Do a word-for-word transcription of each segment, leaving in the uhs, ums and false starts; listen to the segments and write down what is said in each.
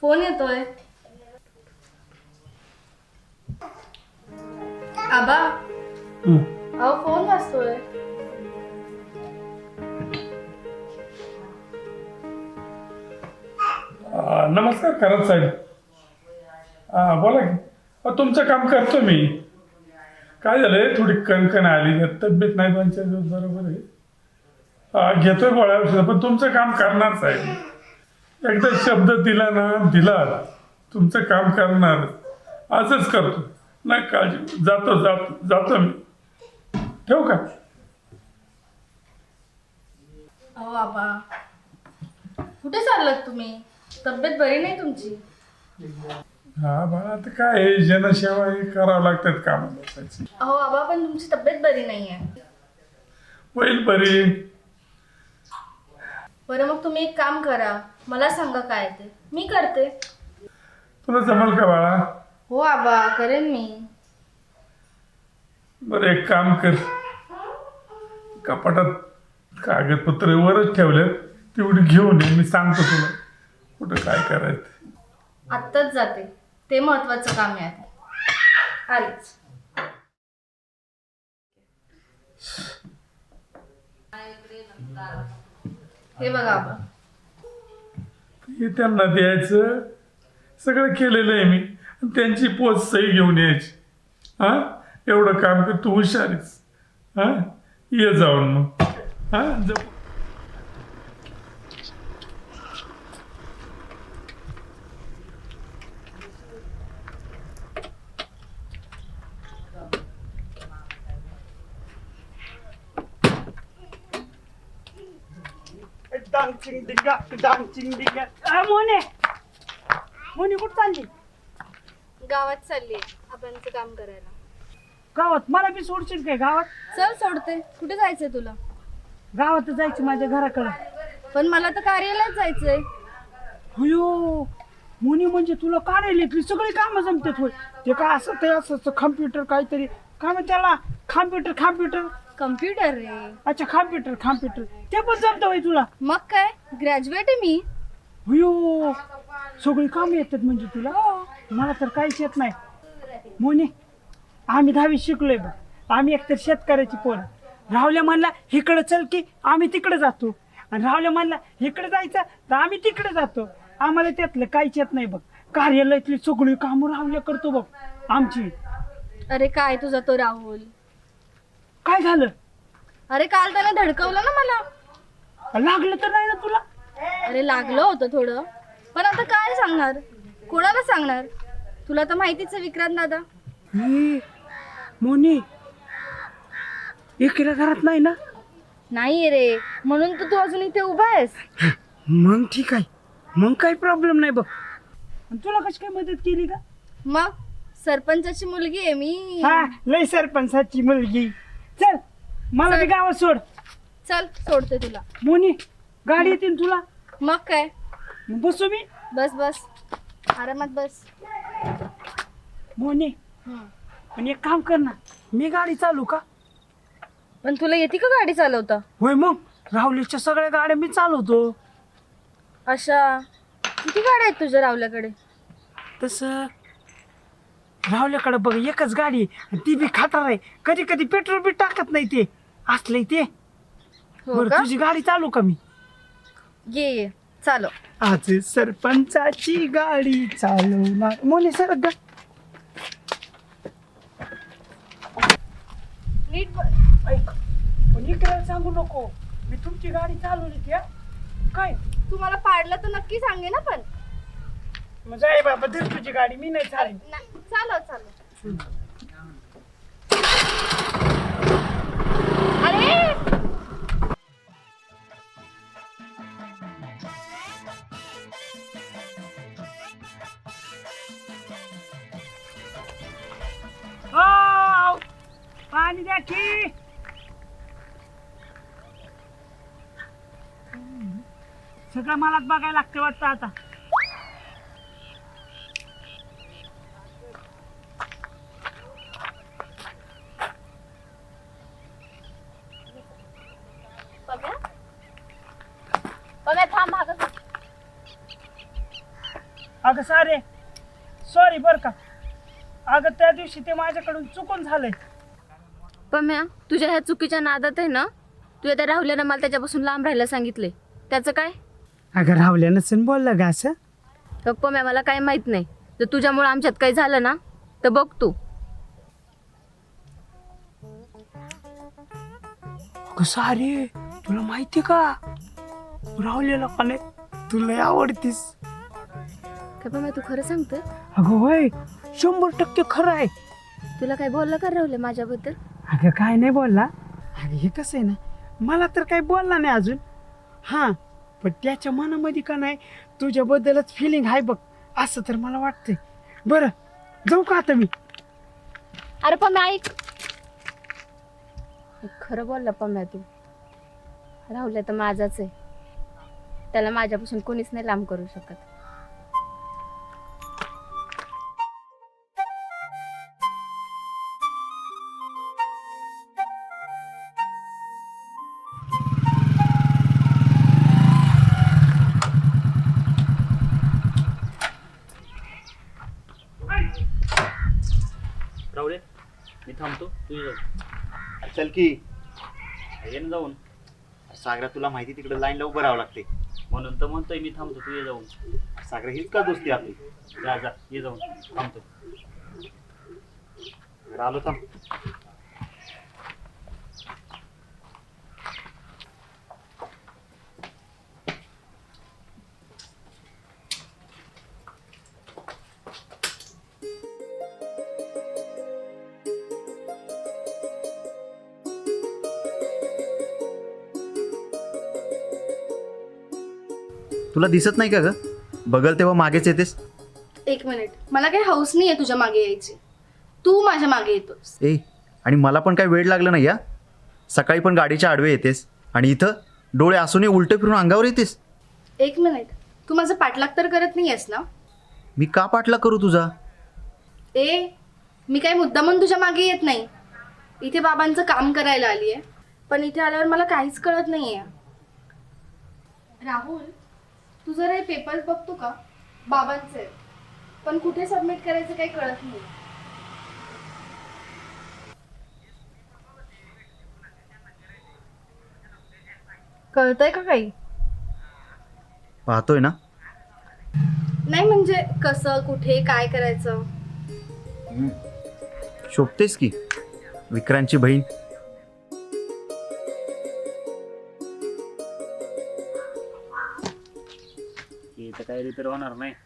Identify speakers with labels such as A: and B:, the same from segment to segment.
A: Phone येतोय. आबा अहो phone वाजतोय.
B: नमस्कार करत साहेब. हा बोला की. अहो, तुमचं काम करतो मी. काय झालंय थोडी कणकण आली, तब्येत नाही दोन चार दिवस बरोबर आहे. हा, घेतोय गोळ्या औषध, पण तुमचं काम करणार साहेब. एकदा शब्द दिला ना दिला तुमचं काम करणार. आजच करतो, नाही काळजी. जातो जातो जातो मी. ठेवू का?
A: अहो आबा कुठे चाललात तुम्ही? तब्येत बरी नाही तुमची?
B: हा बाळा, आता काय आहे, जनसेवा हे करावं लागतात काम लोकांची.
A: अहो आबा पण तुमची तब्येत बरी नाहीये.
B: होईल बरी.
A: बरं मग तुम्ही एक काम करा, मला सांगा काय ते, मी करते.
B: तुला जमल का बाळा?
A: हो आबा करेन मी.
B: बरं एक काम कर, कपाटात कागदपत्र वरच ठेवलेत, तेवढी घेऊन ये. मी सांगतो तुला कुठं काय करायचं.
A: आत्ताच जाते, ते महत्वाचं काम आहे. आलीच. हे बघा आबा,
B: हे त्यांना द्यायचं. सगळं केलेलं आहे मी. आणि त्यांची पोच सही घेऊन यायची. हा, एवढं काम कर. तू हुशारीस. हा, ये जाऊन मग. हा जा.
C: डांचिंग डिंगा डांचिंग डिंगा. अ, मोने मोने कुठं चालली?
A: गावात चालली आपणचं काम करायला.
C: गावात? मला बी सोडशील काय गावात?
A: चल सोडते. कुठे जायचंय तुला?
C: गावात जायचं माझ्या घराकडं.
A: पण मला तर कार्यालयात जायचंय.
C: अयो मोनी, म्हणजे तुला कार्यालयातली सगळी कामं जमतात होय? ते काय असं ते असं कम्प्युटर काहीतरी काय म्हणतात त्याला? कॉम्प्युटर कॉम्प्युटर
A: कम्प्युटर रे.
C: अच्छा, कॉम्प्युटर कॉम्प्युटर ते पण जमतं होय तुला?
A: मग काय, ग्रॅज्युएट आहे मी.
C: अयो सगळी कामं येतात म्हणजे तुला? मला तर काहीच येत नाही मोनी. आम्ही दहावी शिकलोय बघ. आम्ही एकतर शेतकऱ्याची पोरं. राहुल्या म्हणला इकडं चल की आम्ही तिकडे जातो, आणि राहुल्या म्हणला इकडे जायचं तर आम्ही तिकडे जातो. आम्हाला त्यातलं काहीच येत नाही बघ. कार्यालयातली सगळी कामं राहुल्या करतो बघ आमची.
A: अरे काय तुझा तो राहुल?
C: काय झालं?
A: अरे काल त्याने धडकवलं ना मला.
C: लागलं तर नाही ना तुला?
A: अरे लागलं होतं थोडं, पण आता काय सांगणार, कोणाला सांगणार? तुला तर माहितीच आहे विक्रांत दादा.
C: ए, मोनी एकीला घरात नाही ना?
A: नाही रे, म्हणून तर तू अजून इथे उभा आहेस.
C: मग ठीक आहे, मग काही प्रॉब्लेम नाही बघ. आणि तुला कशी काय मदत केली का?
A: मग सरपंचाची मुलगी आहे मी.
C: हा, लय सरपंचाची मुलगी. चल मला बी गावात सोड.
A: चल सोडते तुला.
C: मोनी गाडी येते ना तुला?
A: मग काय,
C: मग बसू मी.
A: बस बस आरामात बस.
C: मोनी
A: हम्म.
C: पण एक काम कर ना, मी गाडी चालू का?
A: पण तुला येते का गाडी चालवता?
C: होय, मग राहुलीच्या सगळ्या गाड्या मी चालवतो.
A: अशा किती गाड्या आहेत तुझ्या रावल्याकडे?
C: तसं राहुल्याकडे बघ एकच गाडी आहे, आणि ती बी खाटार आहे. कधी कधी पेट्रोल बी टाकत नाही ते असले ते.
A: हो
C: बरं
A: का?
C: तुझी गाडी चालू का मी?
A: ये ये चालव.
C: आज सरपंचाची गाडी चालवणार. मोने सर ग
A: नीट
C: ऐक, पण इकडे सांगू नको मी तुमची गाडी चालवली त्या. काय
A: तुम्हाला पाडलं तर नक्की सांगे ना. पण
C: म्हणजे आहे बाबा, धर तुझी गाडी, मी नाही चालेल.
A: नाही, चालव चालव. अरे
C: हो, पाणी द्या की. सगळं मलाच बघायला लागतं वाटतं आता.
A: बघा थांब मागं.
C: अगं सारे सॉरी बरं का. अगं त्या दिवशी ते माझ्याकडून चुकून झालंय.
D: पम्या, तुझ्या ह्या चुकीच्या नादात आहे ना, तुझ्या त्या राहुल्यानं मला त्याच्यापासून लांब राहायला सांगितले. त्याचं काय?
C: अगं राहुल्या नसेल बोललं का असं.
D: तर पम्या, मला काय माहित नाही. जर तुझ्यामुळे आमच्यात काही झालं ना तर बघ तू.
C: अगं सारे तुला माहिती का राहुल्याला का नाही तुला आवडतीस.
D: काय पम्या, तू खरं सांगतोय?
C: अगं होय शंभर टक्के खरं आहे.
D: तुला काय बोललं का राहुल्या माझ्याबद्दल?
C: अगं काय नाही बोलला. अगं हे कसं आहे ना, मला तर काही बोलला नाही अजून. हां पण त्याच्या मनामध्ये का नाही तुझ्याबद्दलच फिलिंग आहे बघ, असं तर मला वाटतंय. बरं जाऊ का आता मी.
D: अरे पम्या ऐक, खरं बोलला पम्या तू. राहुल्या तर माझाच आहे, त्याला माझ्यापासून कोणीच नाही लांब करू शकत.
E: राहुले, मी थांबतो, तू ये जाऊ.
F: चल की.
E: ये ना जाऊन.
F: सागरा तुला माहिती तिकडे लाईनला उभं राहावं लागते.
E: म्हणून तर म्हणतोय मी थांबतो, तू ये जाऊन.
F: सागरा हीच का दोस्ती आपली.
E: जा जा, ये जाऊन, थांबतो.
F: आलो थांब. तुला दिसत नाही का ग, बघल तेव्हा मागेच येतेस.
A: एक मिनिट, मला काही हौस नाही आहे तुझ्या मागे यायची. तू माझ्या मागे येतोस.
F: ए आणि मला पण काय वेळ लागला नाही या. सकाळी पण गाडीच्या आडवे येतेस आणि इथं डोळे असूनही उलटे फिरून अंगावर येतेस.
A: एक मिनिट, तू माझं पाठलाग तर करत नाही आहेस ना?
F: मी का पाठला करू तुझा.
A: ए मी काही मुद्दामून तुझ्या मागे येत नाही. इथे बाबांचं काम करायला आली आहे, पण इथे आल्यावर मला काहीच कळत नाही आहे. राहुल, तू जरा हे पेपर्स बघतो का? बाबांचे आहेत, पण कुठे सबमिट करायचं काही कळत नाही. कळतंय का काही?
F: पाहतोय ना.
A: नाही म्हणजे कसं, कुठे, काय करायचं.
F: शोभतेस की विक्रांतची बहीण.
E: हे तर काही रिपेअर होणार नाही.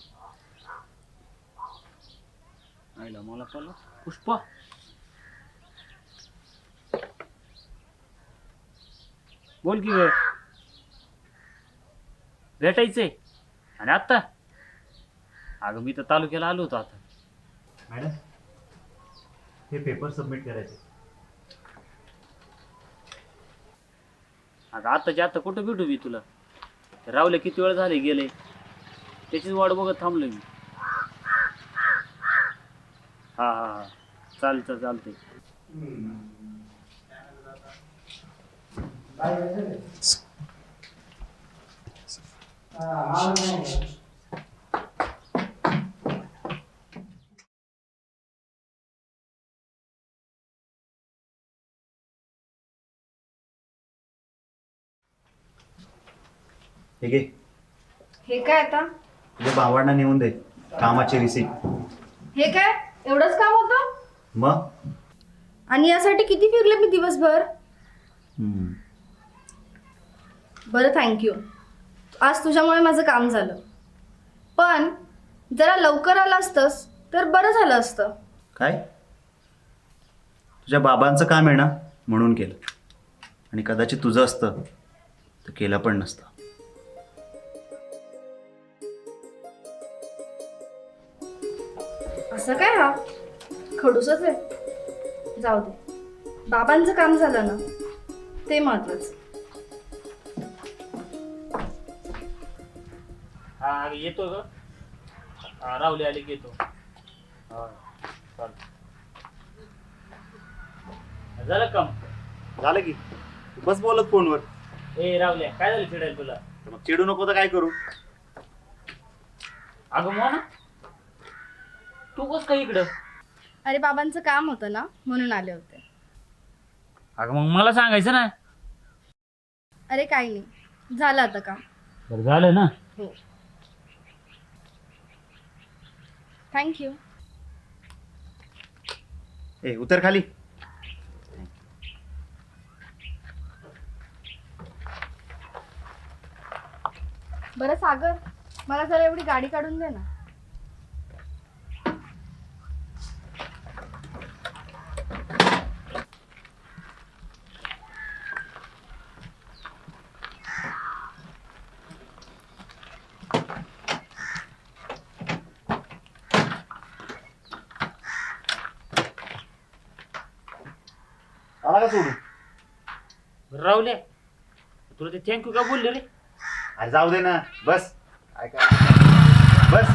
E: आईला मला कळलं. पुष्पा, बोल की ग. भेटायचंय आणि आत्ता? अगं मी तर तालुक्याला आलो होतो आता.
F: मॅडम हे पेपर सबमिट करायचे.
E: अगं आत्ताच्या आत्ता कुठं भेटू मी तुला. रावले किती वेळ झाले गेले, त्याचीच वाट बघत थांबलोय मी. हा हा हा चालतं चालतंय.
F: हे घे,
A: हे काय आता?
F: तुझ्या भावांना नेऊन दे कामाची रिसीट.
A: हे काय एवढंच काम होतं?
F: मग
A: आणि यासाठी किती फिरले मी दिवसभर.
F: हम्म.
A: बरं थँक्यू, आज तुझ्यामुळे माझं काम झालं. पण जरा लवकर आलं असतंस तर बरं झालं असतं.
F: काय तुझ्या बाबांचं काम आहे ना म्हणून केलं, आणि कदाचित तुझं असतं तर केलं पण नसतं.
A: असं काय, हा खडूसच आहे. जाऊ दे, बाबांचं काम झालं ना ते महत्वाचं.
E: हा येतो ग. हा रावले आले की येतो. हा चालतं. झालं काम?
F: झालं की बस बोलत फोनवर.
E: ए रावल्या, काय झालं चिडायला तुला?
F: मग चिडू नको तर काय करू.
E: अगं मोना तू कस काय इकडं?
A: अरे बाबांचं काम होतं ना म्हणून आले होते.
E: अगं मग मला सांगायचं ना.
A: अरे काही नाही, झालं आता काम.
E: बरं झालं ना.
A: हो, थँक्यू.
F: ए उतर खाली.
A: बरं सागर, मला जरा एवढी गाडी काढून दे ना.
F: आला का सोडू?
E: राहुल्या तुला ते थँक्यू का बोलले रे?
F: अरे जाऊ दे ना, बस. काय काय बस.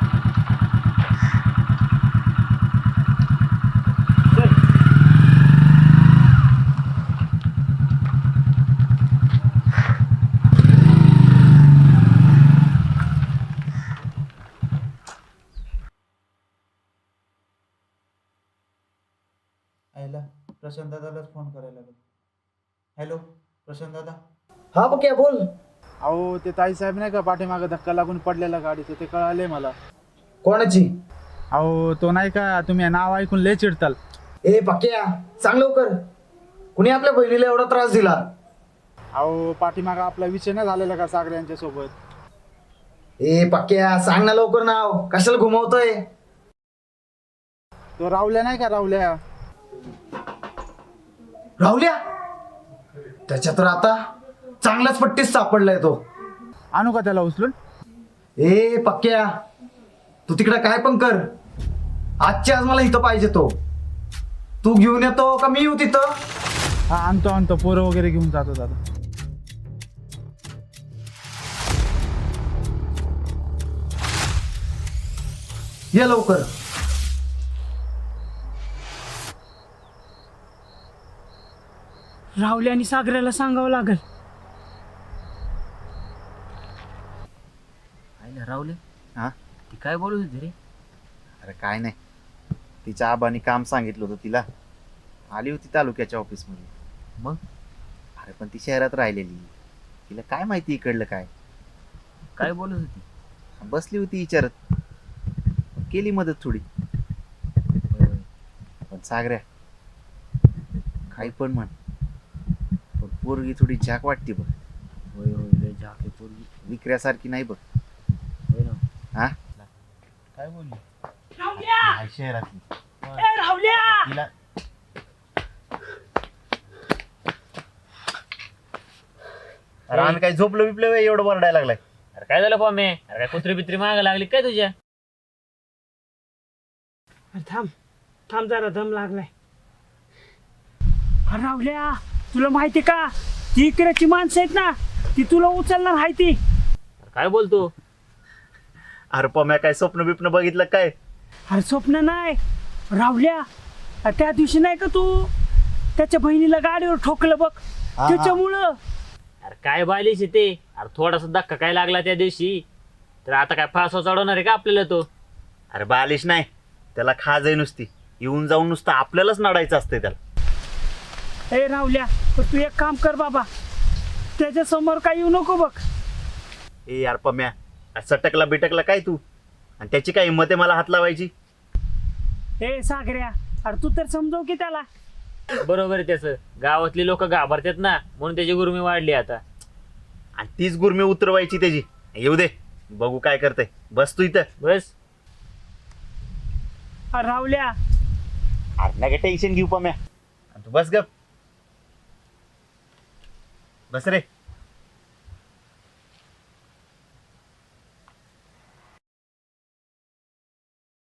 E: चल.
G: आईला प्रशांत दादालाच फोन करायला लागेल. हॅलो प्रशांत दादा.
H: हा बघ क्या बोल.
G: अहो ते ताईसाहेब नाही का पाठीमागं धक्का लागून पडलेला गाडीचं, ते कळाले मला.
H: कोणाची?
G: अहो तो नाही का, तुम्ही नाव ऐकून लय चिडताल.
H: ए पक्या सांग लवकर, कुणी आपल्या बहिणीला एवढा त्रास दिला?
G: अहो पाठीमागं आपला विषय नाही झालेला का सागरे यांच्या सोबत?
H: ए पक्या सांग ना लवकर नाव, कशाला घुमवतोय?
G: तो रावल्या नाही का, रावल्या.
H: राहुल्या, त्याच्या तर आता चांगलाच पट्टीस सापडलाय तो.
G: आणू का त्याला उचलून?
H: ए पक्या तू तिकडे काय पण कर, आजची आज मला इथं पाहिजे तो. तू घेऊन येतो का मी येऊ तिथं?
G: हा आणतो आणतो, पोरं वगैरे घेऊन जातो दादा.
H: ये लवकर.
C: राहुल्या आणि सागऱ्याला सांगावं लागल.
E: आईला राहुले
F: हा
E: ती काय बोलत होती रे?
F: अरे काय नाही, तिच्या आबानी काम सांगितलं होतं तिला. आली होती तालुक्याच्या ऑफिसमध्ये.
E: मग?
F: अरे पण ती शहरात राहिलेली, तिला काय माहिती इकडलं काय.
E: काय बोलत होती?
F: बसली होती विचारत, केली मदत थोडी. पण सागऱ्या काही पण म्हण, पण पोरगी थोडी झाक वाटते बघ.
E: होय होय लय झाके पोरगी.
F: विक्र्यासारखी नाही बघ.
E: होय ना.
F: हा
E: काय बोलली?
C: राहुल्या,
F: आहे शहरातली
C: ए राहुल्या.
F: तिला. अरे आम्ही काही झोपलो बिपलो व्हय, एवढं वरडायला लागलाय.
E: अरे काय झालं पॉमे? अरे काय कुत्री बित्री माग लागली काय तुझ्या?
C: अरे थांब थांब, जरा दम लागलाय. अरे राहुल्या, तुला माहिती का ती इकडेची माणसं आहेत ना, ती तुला उचलणार आहे ती.
E: अरे काय बोलतो?
F: अरे पम्या काय स्वप्न बिप्न बघितलं काय?
C: अरे स्वप्न नाही राहुल्या, अरे त्या दिवशी नाही का तू त्याच्या बहिणीला गाडीवर ठोकलं बघ,
F: हा.
C: त्याच्यामुळं.
E: अरे काय बालिश आहे ते. अरे थोडासा धक्का काय लागला त्या दिवशी, तर आता काय फासवा चढवणार आहे का आपल्याला तो?
F: अरे बालिश नाही, त्याला खाज आहे नुसती. येऊन जाऊन नुसतं आपल्यालाच नडायचं असतंय त्याला.
C: ए राहुल्या, पण तू एक काम कर बाबा, त्याच्या समोर काय येऊ नको बघ.
F: ए यार पम्या, सटकला बिटकला काय तू? आणि त्याची काय हिंमत आहे मला हात लावायची?
C: ए सागऱ्या, अरे तू तर समजव की त्याला.
E: बरोबर आहे त्याचं. गावातली लोक घाबरतात ना, म्हणून त्याची गुरुमी वाढली आता.
F: आणि तीच गुरमी उतरवायची त्याची. येऊ दे, बघू काय करते. बस तू इथं.
E: बस.
C: अरे राहुल्या,
F: अरे नका टेन्शन घेऊ पम्या, आणि तू बस गप. बस रे.